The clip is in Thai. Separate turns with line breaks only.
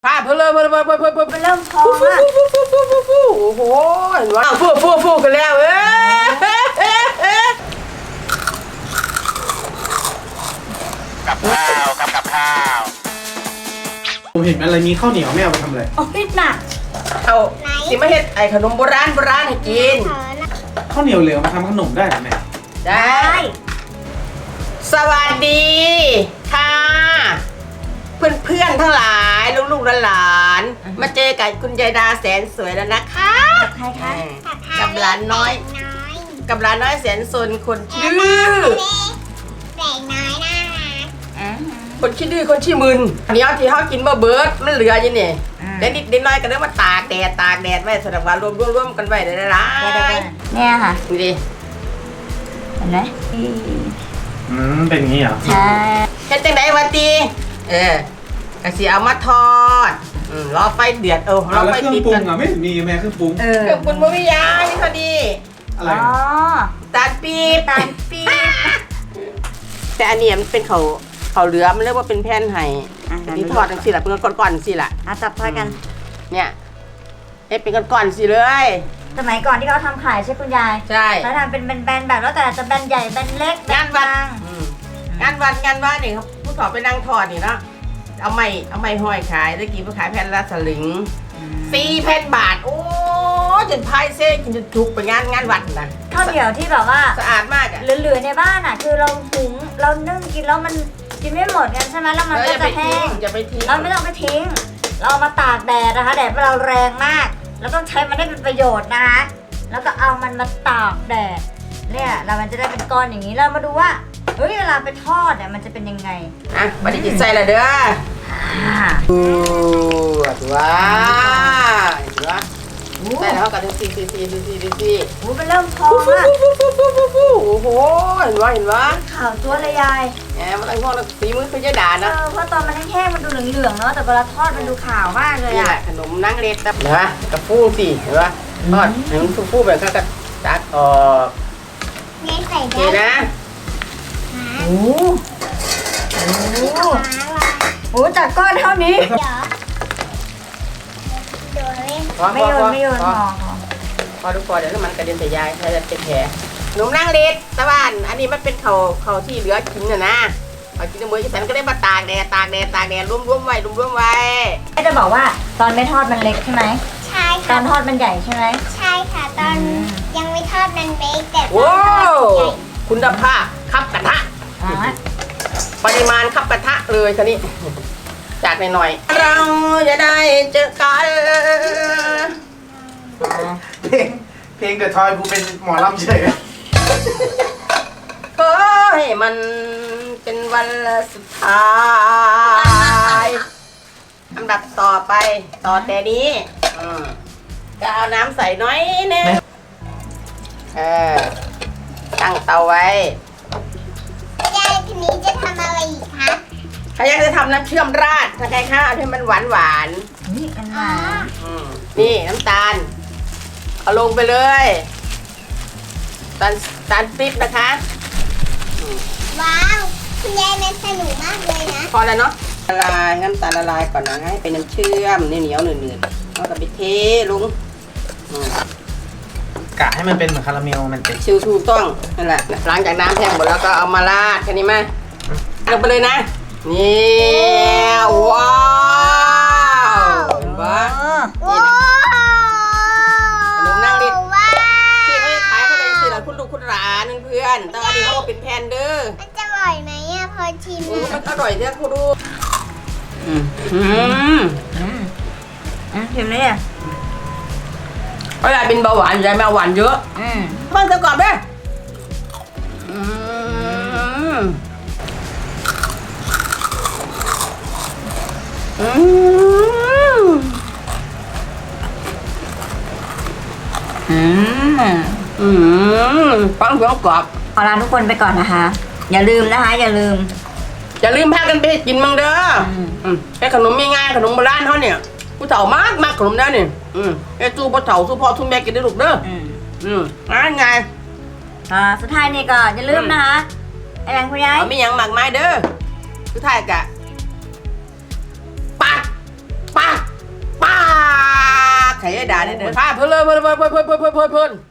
พาเพลิน
มันเริ่มพองอ่ะ
โอ้โหเห็นว่าฟูกันแล้ว
กับข้าว
ผมเห็นอะไรมีข้าวเหนียวไม่เอาไปทำอะไร
โอ้ยหนัก
เอาสิมาเฮ็ดไอ้ขนมโบราณให้กิน
ข้าวเหนียวเหลวมาทำขนมได้ไหมแม่
ได้ สวัสดีค่ะเพื่อนทั้งหลายลูกหลานมาเจอกับคุณยายดาแสนสวยแล้วนะคะ
ใครคะ
กับหลานน้อยแสนสนคนชื่อ
แปลกน้อยน่ารัก
คนขี้ดื้อคนขี้มึนอันนี้เอาที่เขากินมาเบิร์ดมันเหลืออยู่นี่เด็กนิดเด็กน้อยก็เริ่มมาตากแดดไว้สำหรับว่ารวมกันไว้ได้ละ
เนี่ยค่ะ
ดูดิ
เห็นไหม
เป็นอย่างนี้เหรอ
ใช่
เฮ็ดจังไดวะตีกะสิเอามาทอดรอไฟเดือดรอ
แล้ว
ไฟ
เครื่อง
ติด
ปรุ
กั
ง
น
อ่ะไม่เห็นมีแม่เครื่องปรุง
เออ
เครื่องปรุงบ่มียานี่พอดี
อะไร
อ๋อ
ตาลปี๊บ
ตาลปี๊บ
แต่อันนี้มันเป็นเขาเหลือมันเรียกว่าเป็นแผ่นไห้แต่ที่ทอดจังซี่ล่ะเป็นก้อนๆจังซี่ล่ะ
จับทอดกัน
เนี่ยเป็นก้อนๆสิเลย
สมัยก่อนที่เขาทำขายใช่คุณยาย
ใช่
เขาทำเป็นแบนๆแบบแล้วแต่จะแบนใหญ่แบนเล็กแบ
งาน
น
วั
บาน ง
งานวัดนี่ครับผู้ถอดไปนั่งทอดนี่เนาะเอาไม้ห้อยขายได้กี่ไปขายแผ่นละสลึง4,000 บาทโอ้จนพายเซ่กินจนจุกไปงานวัดนะ
ข้าวเหนียวที่แบบว่า
สะอาดมากอ่ะ
เหลือๆในบ้านอ่ะ คือเราหุงเรานึ่งกินแล้วมันกินไม่หมดกันใช่ไหมแล้วมัน
แล้ว
ก็
อย่าไป
จะแห้
ทิ้ง
ง
อย่าไปทิ้ง
เราไม่ต้องไปทิ้ง เราเอามาตากแดดนะคะแดดเราแรงมากเราต้องใช้มันได้เป็นประโยชน์นะคะแล้วก็เอามันมาตากแดดเนี่ยเรามันจะได้เป็นก้อนอย่างนี้เรามาดูว่าเฮ้ยเวลาไปทอดเนี่ยมันจะเป็นยังไง
อ่ะบัดนี้จิตใจละเด้อว้าวใส่แล้วก็ต้องซี
โอ้มันเริ่มพองอ่ะ
โอ้โหเห็นว่า
ข่าวตัวเลยยาย
แหมมันต้องพอฝีมือคุณยายดานะ
เพราะตอนมันแห้งๆมันดูเหลืองๆเนาะแต่เวลาทอดมันดูขาวมากเลย
นี่แห
อ่ะ
ละขนมนั่งเล็ดนะกระฟูสิเห็นปะทอดให้มันฟูแบบก็ตัดออก
เน้นใส่
โอเค
ได้
นะ
โอ้โหจากก้อนเท่านี้
เดี๋ยวโดนเล่น
ไม่โยน
พอทุกคนเดี๋ยวมันกระเด็นใส่ยายถ้าจะเป็นแผลขนมนั่งเล็ดตะวันอันนี้มันเป็นเขาที่เหลือกินนะเขากินในมือฉันก็ได้มาตากแดดรวมไว้
จะบอกว่าตอนไม่ทอดมันเล็กใช่ไหม
ใช่
ตอ
ค่ะ
นทอดมันใหญ่ใช่ไหม
ใช่ค่ะตอนยังไม่ทอดมันเบคแต่ตอน
โว้
ทอดใหญ่
คุณภาพคับกระทะ
อ๋อ
ปริมาณคับกระทะเลยคันนี้จากหน่อยๆเราจะได้เจอกัน
เพลงเดอะทอยกูเป็นหมอลำเฉย
ขอให้มันเป็นวันสุดท้ายอันดับต่อไปต่อแต่นี้ก็เอาน้ำใส่น้อยนึงตั้งเตาไว้
ยายทีนี้จะทำอะไรอีกคะ
ใครอยากจะทำน้ำเชื่อมราดถ้าใครข้าวให้มันหวาน
นี่กัน
อ๋อ
ๆนี่น้ำตาลเอาลงไปเลยตาลปิ๊บนะคะ
ว้าวคุณยายมันสนุกมากเลยนะ
พอแล้วเนาะละลายน้ำตาลละลายก่อนนะให้เป็นน้ำเชื่อมเหนียวๆหนืดๆแล้วก็ไปเทลุง
กะให้มันเป็นเหมือนคาราเมลมันติด
ชิวถูกต้องนั่นแหละหลังจากน้ำแห้งหมดแล้วก็เอามาราดแค่นี้มาลงไปเลยนะนี่ว้าวเห็นปะนี่แหละ ขนมนั่งเล่น
ว้าว
ที่เขาจะขายเขาเลยสิล่ะคุณลูกคุณหลานเพื่อนแต่อันนี้เขาก็เป็นแพนเด้อ
มันจะอร่อยไหมอ่ะพอชิม
มันอร่อยเนี่ยคุณดู
ชิมเลยเนี่ย
เวลาเป็นเบาหวานยายแม่หวานเยอะเพิ่งเธอก่อนเด้ฟังเสียงกรอบ
ขอลาทุกคนไปก่อนนะคะ อย่าลืมนะคะ อย่าลืม
พากันไปกินมั่งเด้อแค่ขนมง่ายๆขนมโบราณเขาเนี่ยผู้เฒ่ามากขนมนั้นนี่แค่สู้ผู้เฒ่าสู้พ่อสู้แม่กินได้ลูกเด้อง่าย
สุดท้ายนี่ก็อย่าลืมนะคะอะไรคุณยาย
เอาไม่ยังหมากไม้เด้อสุดท้ายกะปักด่าเนี่ยเด้อพาเพิ่นเลยเพิ่น